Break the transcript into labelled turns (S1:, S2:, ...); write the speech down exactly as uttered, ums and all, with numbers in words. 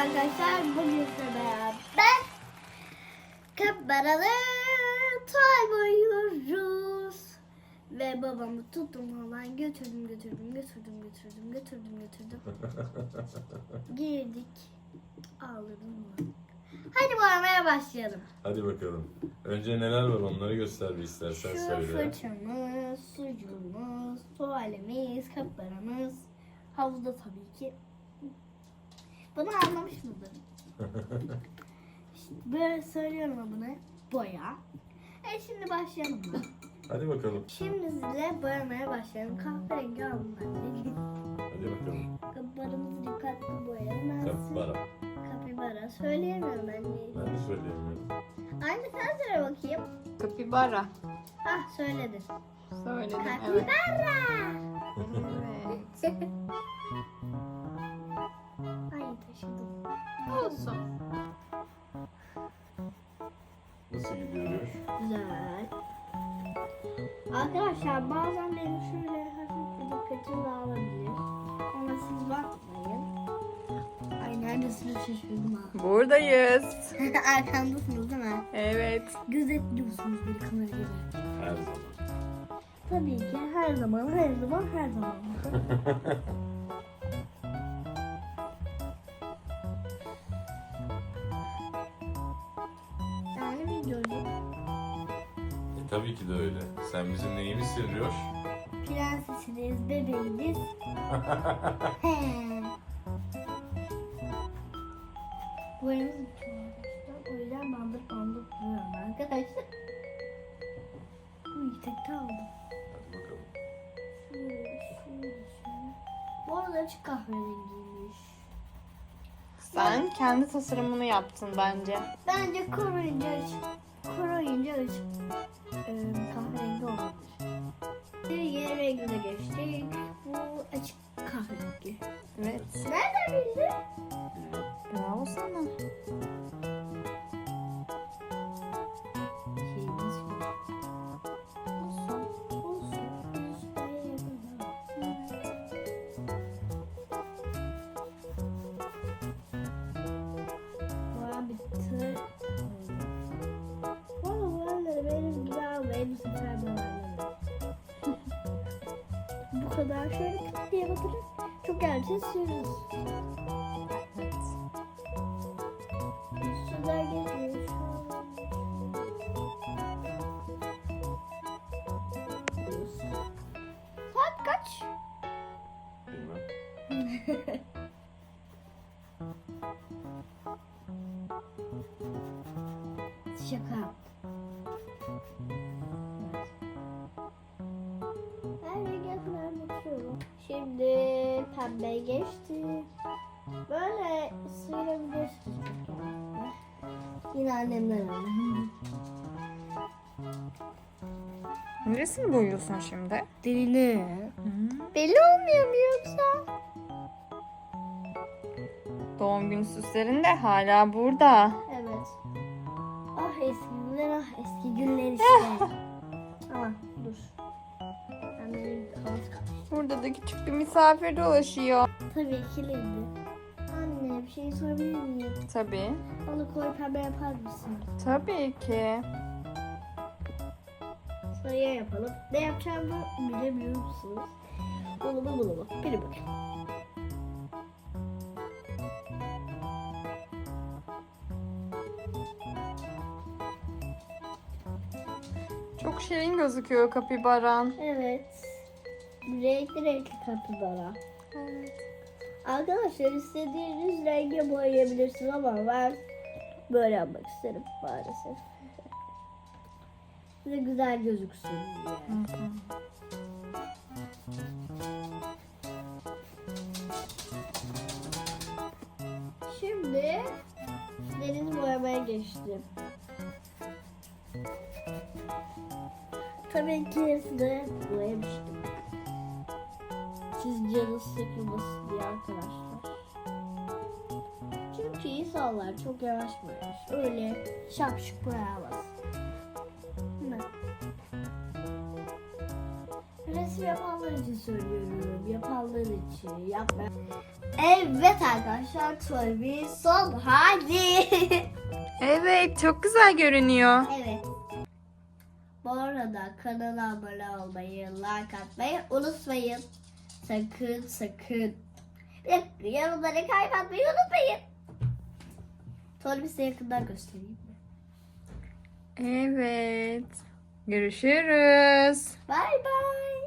S1: arkadaşlar, bugün size beraber kaparalı toy boyuyoruz. Ve babamı tuttum hemen götürdüm götürdüm götürdüm götürdüm götürdüm götürdüm. Girdik. Ağladım mı? Hadi boyamaya başlayalım.
S2: Hadi bakalım. Önce neler var onları göster bir istersen
S1: Şu
S2: söyle.
S1: fırçamız, sucuğumuz, tuvalimiz, kaparamız. Havuzda tabii ki. Bunu anlamış mıdır? İşte böyle söylüyorum bunu. Boya. E şimdi başlayalım mı?
S2: Hadi bakalım.
S1: Şimdi size boyamaya başlayalım. Kahverengi aldım ben de.
S2: Hadi bakalım.
S1: Kaparamızı dikkatli boyayalım.
S2: Kapibara.
S1: Kapibara. Söyleyemiyorum ben de.
S2: Ben de söyleyemiyorum.
S1: Anne sen söyle bakayım.
S3: Kapibara.
S1: Hah söyledin.
S3: Söyledim evet.
S1: Kapibara.
S3: Evet.
S1: Ay taşıdım.
S3: Olsun.
S2: Nasıl gidiyor?
S1: Güzel. Arkadaşlar bazen benim şöyle hafif bir dikkatim dağılabilir. Ama siz bakmayın. Ay neredesiniz şaşırdım ha.
S3: Buradayız.
S1: Arkamdasınız değil mi?
S3: Evet.
S1: Gözetliyorsunuz bir kamera gibi.
S2: Her zaman.
S1: Tabii ki her zaman her zaman her zaman. Yani videocu.
S2: E, tabii ki de öyle. Sen bizim neyimizsin Rioş?
S1: Prensesiniz, bebeğiniz. He. Boyamız bitiyor arkadaşlar. O yüzden bandır bandır duruyorum arkadaşlar. Uy tekte aldım.
S2: Hadi bakalım.
S1: Şöyle, şöyle, şöyle. Bu arada açık kahverengiymiş.
S3: Sen kendi tasarımını yaptın bence.
S1: Bence koruyunca açık. Koruyunca açık. Ee, kahverengi olabilir. Bir yeni rengine geçtik. Bu açık kahverengi.
S3: Evet.
S1: Nereden bildin?
S2: Bilmem.
S3: Bravo sana.
S1: Şeyimiz yok.
S3: Olsun.
S1: Olsun. Şuraya yapalım. Boya bitti. Valla boyaları benim güzel ve bu sefer boyaları. Bu kadar şöyle küt diye batırıp çok erken sürüyoruz.
S3: Evet.
S1: Sular geçmiyor şu an. Saat kaç?
S2: Bilmem.
S1: Şaka. Her renge kadar bakıyorum. Şimdi pembe geçti. Böyle sıyırabilirsiniz. Yine annemden aldım.
S3: Neresini boyuyorsun şimdi?
S1: Dilini.
S3: Hmm.
S1: Belli olmuyor mu yoksa?
S3: Doğum günü süslerin de hala burada.
S1: Evet. Ah eski günler, ah eski günler işte. Ama dur. Ben benim kafamız kalmış.
S3: Burada da küçük bir misafir dolaşıyor.
S1: Tabii kilitli. Anne bir şey sorabilir miyim?
S3: Tabii.
S1: Onu koy pembe yapar mısın?
S3: Tabii ki.
S1: Sayı yapalım. Ne yapacağımı bilemiyor musunuz? Bunu mu bunu mu? Biri bakın.
S3: Çok şirin gözüküyor kapibaran.
S1: Evet. Renkli renkli kapibara.
S3: Evet.
S1: Arkadaşlar istediğiniz renge boyayabilirsiniz ama ben böyle yapmak isterim maalesef. Size güzel gözüksün diye.
S3: Hı hı.
S1: Şimdi deniz boyamaya geçtim. Tabii ki hepsini boyamıştım. Siz canınız sıkılmasın diye arkadaşlar. Çünkü insanlar çok yavaş boyar. Öyle şapşık boyamaz. Değil mi? Resim Hepsi yapanlar için söylüyorum. Yapanlar için. Yapma. Evet arkadaşlar, Toy son hali.
S3: Evet, çok güzel görünüyor.
S1: Evet. Bu arada kanala abone olmayı, like atmayı unutmayın. Sakın sakın. Ve yorumları kaybetmeyi unutmayın. Sonra size yakından göstereyim.
S3: Evet. Görüşürüz.
S1: Bye bye.